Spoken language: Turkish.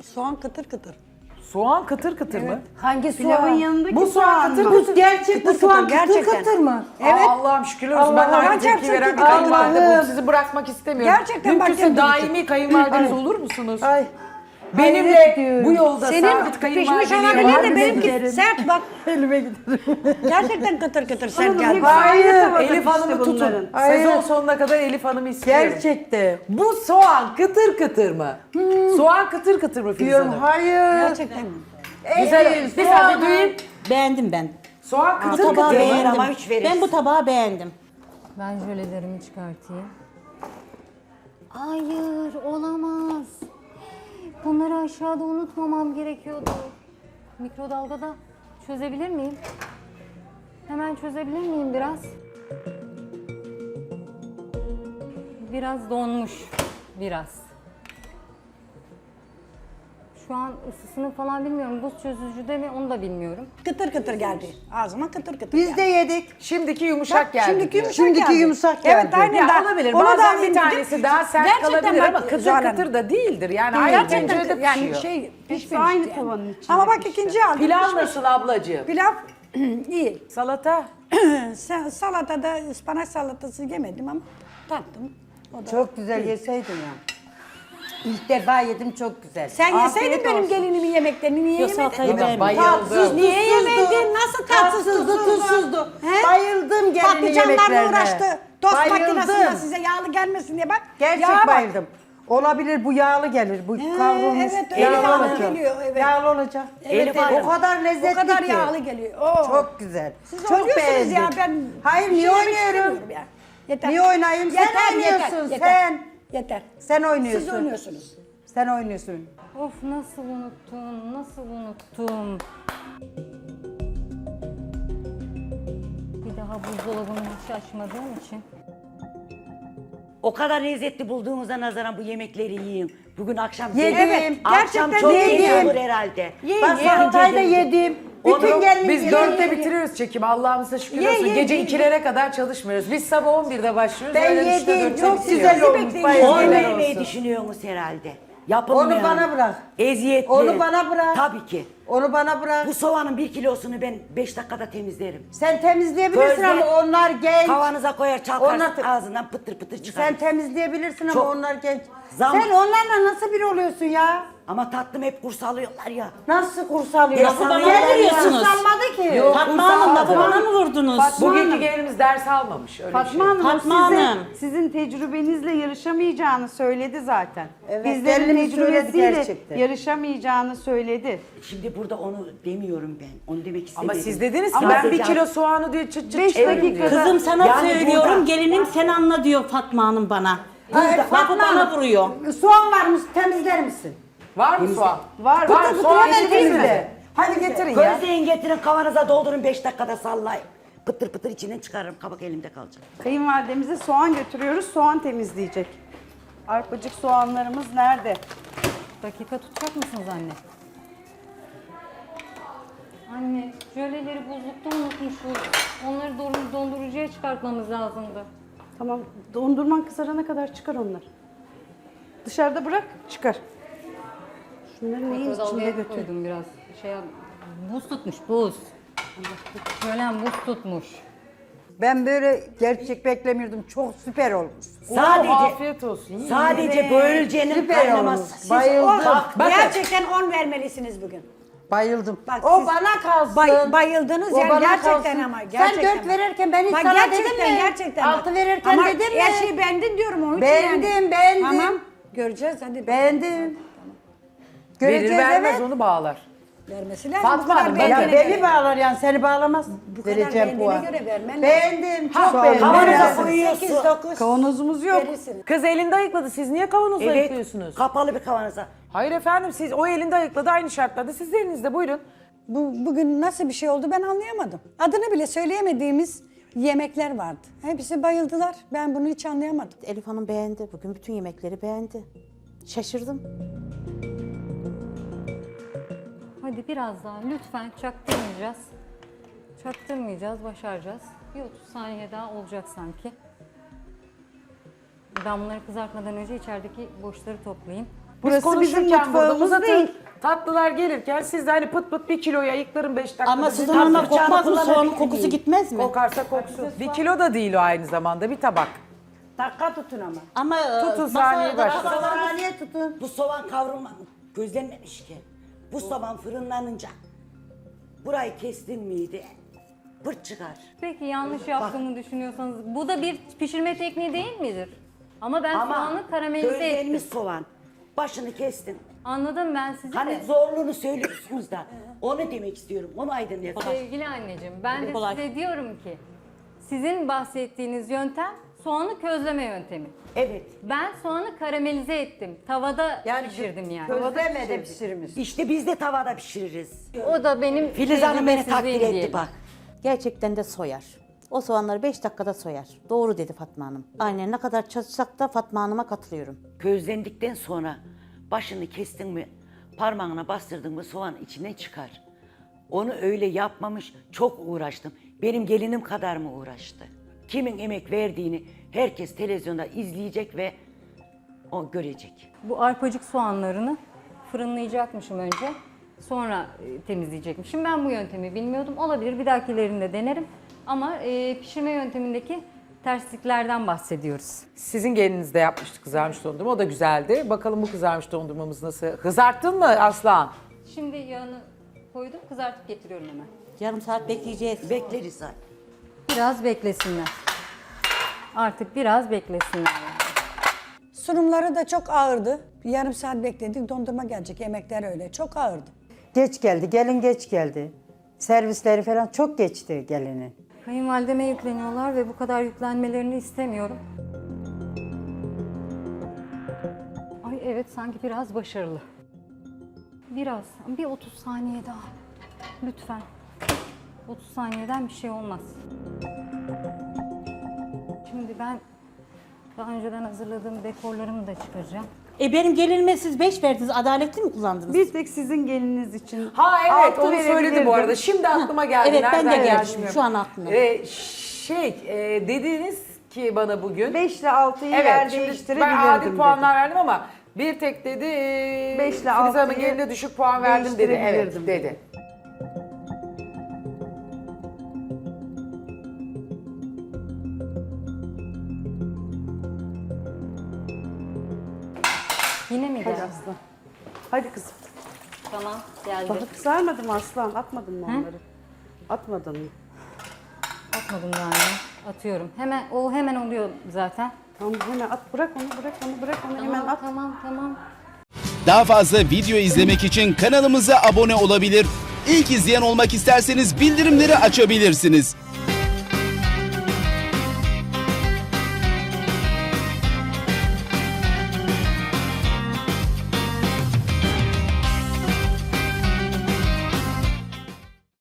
soğan kıtır kıtır. Soğan kıtır kıtır mı? Hangi Pilavın soğan? yanındaki Bu soğan kıtır Bu kıtır. gerçek bu soğan kıtır gerçekten. kıtır mı? Evet. Allah'ım şükürler olsun. Ben de Allah'ım, aynı tepki gerçekten veren bir kıtır kıtır. kayınvalide Allah'ım. bu. Sizi bırakmak istemiyorum. Gerçekten bak Mümkünse kıtır daimi kayınvalideniz olur musunuz? Ay. Benimle hayret ediyorum. bu yolda Senin sabit pişmiş kayınvalideliğe olabilir var de mısınız? benimki sert bak. Elime giderim. Gerçekten kıtır kıtır sert geldi. Hayır. Elif Hanım'ı tutun. bunların. Hayır. Sezon sonuna kadar Elif Hanım'ı istiyorum. Gerçekten. Bu soğan kıtır kıtır mı? Soğan kıtır kıtır mı Filiz Diyorum Hanım? hayır. Gerçekten mi? Güzel. Bir saniye duyayım. Beğendim ben. Soğan Bu kıtır tabağı kıtır mı? beğendim. ama üç veririz. Ben bu tabağı beğendim. Ben jölelerimi çıkartayım. Hayır, olamaz. Bunları aşağıda unutmamam gerekiyordu. Mikrodalgada çözebilir miyim? Hemen çözebilir miyim biraz? Biraz donmuş. Biraz. Şu an ısısını falan bilmiyorum. Buz çözücüde mi onu da bilmiyorum. Kıtır kıtır geldi. Ağzıma kıtır kıtır Biz geldi. de yedik. Şimdiki yumuşak geldi Şimdiki diyor. yumuşak Şimdiki geldi. yumuşak Evet geldi. aynen. Ya daha- olabilir. onu da Bazen alayım bir dedim. tanesi daha sert Gerçekten kalabilir bak, ama kıtır Zuhal Hanım. kıtır da değildir. Yani aynı Gerçekten tencerede yani pişiyor. şey pişmemiş. aynı yani. tavanın içinde Ama bak pişti. ikinci aldım. Pilav pişmiş. nasıl ablacığım? Pilav iyi. Salata? Salatada ıspanak salatası yemedim ama tattım. O da. Çok güzel yeseydin ya. İlk defa yedim çok güzel. Sen Afiyet yeseydin benim olsun. gelinimin yemeklerini niye Yok, yemedin? salatayı Ben beğenmedim. bayıldım. Tatsız, Niye tuzsuzdu. yemedin? Nasıl tatsız, tuzsuzdu? He? Bayıldım gelinin Patlıcanlarla yemeklerine. uğraştı. Tost makinesinde Bayıldım. size yağlı gelmesin diye bak. Gerçek yağa bak. bayıldım. Olabilir bu yağlı gelir. Bu kavrulmuş evet, yağlı Elif Hanım olacak. geliyor, evet. Yağlı olacak. Evet, evet. O kadar lezzetli O kadar ki. yağlı geliyor. Oo. Çok güzel. Siz çok oynuyorsunuz beğendim. ya ben. Hayır bir niye şey demek oynuyorum? istemiyorum ya. Yeter. Niye oynayayım? Sen oynuyorsun, sen. Yeter. Sen oynuyorsun. Siz oynuyorsunuz. Sen oynuyorsun. Of nasıl unuttum, nasıl unuttum. Bir daha buzdolabını hiç açmadığım için. O kadar lezzetli bulduğumuza nazaran bu yemekleri yiyin. Bugün akşam Yedim. zengin- akşam Gerçekten çok yedim. zengin olur herhalde. Bak salatayı da yedim. Bütün gelin Biz yedim. 4'te bitiriyoruz çekimi. Allah'ımıza şükür olsun. Gece 2'lere kadar çalışmıyoruz. Biz sabah 11'de başlıyoruz. Ben öğlen 3'te, yedim. 4'te Çok bitiriyoruz. güzel olmuş. Onu Bayıldım. vermeyi düşünüyorsunuz herhalde. Yapılmayan. Onu bana bırak. Eziyetli. Onu bana bırak. Tabii ki. Onu bana bırak. Bu soğanın 1 kilosunu ben 5 dakikada temizlerim. Sen temizleyebilirsin Közde ama onlar genç. Kavanıza koyar çalkarsın Onlar- ağzından pıtır pıtır çıkar. Sen temizleyebilirsin ama Çok- onlar genç. Zam- Sen onlarla nasıl biri oluyorsun ya? Ama tatlım hep kurs alıyorlar ya. Nasıl kurs alıyorsun? Nasıl bana vuruyorsunuz? Kurs almadı ki. Yok, Fatma kurs Hanım da almadı. bana mı vurdunuz? Bugünkü gelinimiz ders almamış. Öyle bir şey. Fatma Hanım, Fatma size, Hanım. sizin tecrübenizle yarışamayacağını söyledi zaten. Evet, Bizlerin gelinimiz söyledi tecrübesiyle gerçekten. yarışamayacağını söyledi. Şimdi burada onu demiyorum ben. Onu demek Ama istemedim. siz dediniz ki Ama ben siz 1 ya- kilo soğanı diyor çıt çıt 5 çeviririm dakikada- diyor. Kızım sana Yani söylüyorum, burada- gelinim sen anla diyor Fatma Hanım bana. Lafı bana vuruyor. Soğan varmış temizler misin? Var mı soğan? Var, Var. var. Soğan Hemen getirdiniz mi? temizle. Hadi getirin ya. Közleyin getirin kavanoza doldurun 5 dakikada sallayın. Pıtır pıtır içinden çıkarırım kabak elimde kalacak. Kayınvalidemize soğan götürüyoruz, soğan temizleyecek. Arpacık soğanlarımız nerede? Dakika tutacak mısınız anne? Anne, jöleleri buzlukta unutmuşuz. Onları dondurucuya çıkartmamız lazımdı. Tamam, dondurman kızarana kadar çıkar onlar. Dışarıda bırak, çıkar. Şunları neyin içinde Mikrodalgaya götür. koydum biraz. Buz tutmuş, buz. Jölem buz tutmuş. Ben böyle gerçek beklemiyordum. Çok süper olmuş. Sadece Afiyet olsun. yiyin. sadece böğürülcenin Süper kaynaması. olmuş. Bayıldım. Gerçekten 10 vermelisiniz bugün. Bayıldım. Bak o siz bana kalsın. bayıldınız O yani bana gerçekten kalsın. ama gerçekten. Sen 4 verirken ben hiç Bak sana gerçekten, dedim mi? Gerçekten. 6 verirken ama dedim mi? her şeyi beğendin diyorum onun için Beğendim, yani. beğendim. Tamam göreceğiz hadi. Beğendim. Verir Göreceğiz vermez evet. onu bağlar. Vermesi lazım. Fatma bu kadar Hanım, beğendiğine Ya beni göre. bağlar yani seni bağlamaz. Bu kadar Vereceğim beğendiğine puan. göre vermen lazım. Beğendim, çok Ha, beğendim. kavanoza Beğendim. koyuyorsun. 8, 9 Kavanozumuz yok. verirsiniz. Kız elinde ayıkladı. Siz niye kavanozla Evet, ayıklıyorsunuz? kapalı bir kavanoza. Hayır efendim siz o elinde ayıkladı aynı şartlarda. Siz de elinizde buyurun. Bugün nasıl bir şey oldu ben anlayamadım. Adını bile söyleyemediğimiz yemekler vardı. Hepsi bayıldılar. Ben bunu hiç anlayamadım. Elif Hanım beğendi. Bugün bütün yemekleri beğendi. Şaşırdım. Hadi biraz daha lütfen çaktırmayacağız. Çaktırmayacağız, başaracağız. Bir 30 saniye daha olacak sanki. Ben bunları kızartmadan önce içerideki boşları toplayayım. Biz Burası bizim konuşurken burada mutfağımız uzatın. değil. Tatlılar gelirken siz de hani pıt pıt 1 kiloyu ayıklarım 5 dakikada. Ama bir sizin tatlı. ona kokmaz mı? kullanabilir Soğanın kokusu miyim? gitmez mi? Kokarsa koksun. 1 kilo da değil o aynı zamanda bir tabak. Dakika tutun ama. Ama Tutun masada saniye başla. Saniye tutun. Bu soğan kavrulma gözlenmemiş ki. Bu soğan fırınlanınca burayı kestin miydi? Pırt çıkar. Peki yanlış yaptığımı düşünüyorsanız bu da bir pişirme tekniği değil midir? Ama ben soğanı karamelize közlenmiş ettim. soğan. Başını kestin. Anladım ben sizi Hani de. zorluğunu söylüyorsunuz da. Onu demek istiyorum. Onu aydınlatın. Sevgili anneciğim ben de Kolay. size diyorum ki sizin bahsettiğiniz yöntem soğanı közleme yöntemi. Evet. Ben soğanı karamelize ettim. Tavada pişirdim yani. Közlemede pişirmiş. İşte biz de tavada pişiririz. O da benim Filiz Hanım beni takdir tecrübesizliğim etti diyelim. bak. gerçekten de soyar. O soğanları 5 dakikada soyar. Doğru dedi Fatma Hanım. Aynen ne kadar çalışsak da Fatma Hanım'a katılıyorum. Közlendikten sonra başını kestin mi, parmağına bastırdın mı soğan içinden çıkar. Onu öyle yapmamış, çok uğraştım. Benim gelinim kadar mı uğraştı? Kimin emek verdiğini herkes televizyonda izleyecek ve o görecek. Bu arpacık soğanlarını fırınlayacakmışım önce. Sonra temizleyecekmişim. Ben bu yöntemi bilmiyordum. Olabilir bir dahakilerinde denerim. Ama pişirme yöntemindeki tersliklerden bahsediyoruz. Sizin gelininiz de yapmıştı kızarmış dondurma. O da güzeldi. Bakalım bu kızarmış dondurmamız nasıl? Kızarttın mı Aslan? Şimdi yağını koydum, kızartıp getiriyorum hemen. Yarım saat bekleyeceğiz. Bekleriz zaten. Biraz beklesinler. Artık biraz beklesinler. Sunumları da çok ağırdı. Yarım saat bekledik, dondurma gelecek. Yemekler öyle. Çok ağırdı. Geç geldi, gelin geç geldi. Servisleri falan çok geçti gelinin. Kayınvalideme yükleniyorlar ve bu kadar yüklenmelerini istemiyorum. Ay evet sanki biraz başarılı. Biraz, bir 30 saniye daha. Lütfen. 30 saniyeden bir şey olmaz. Şimdi ben daha önceden hazırladığım dekorlarımı da çıkaracağım. Benim gelinime siz 5 verdiniz. Adaletli mi kullandınız? Bir tek sizin geliniz için. Ha evet altı onu söyledi bu verebilirdim. arada. Şimdi aklıma geldi. Evet, ben de Nereden geldim. bilmiyorum. Şu an aklıma. Dediniz ki bana bugün. 5 ile 6'yı yer Evet şimdi ben değiştirebilirdim adil dedim. puanlar verdim ama bir tek dedi 5 ile Filiz Hanım'ın 6'yı geline düşük puan verdim dedi. Evet değiştirebilirdim dedi. Yine mi geldi? Aslan. Hadi kızım. Tamam geldi. Daha kızarmadı mı aslan? Atmadın mı onları? Atmadın mı? Atmadım daha önce. Atıyorum. Hemen oluyor zaten. Tamam hemen at. Bırak onu, bırak onu hemen at. Tamam. Daha fazla video izlemek için kanalımıza abone olabilir. İlk izleyen olmak isterseniz bildirimleri açabilirsiniz.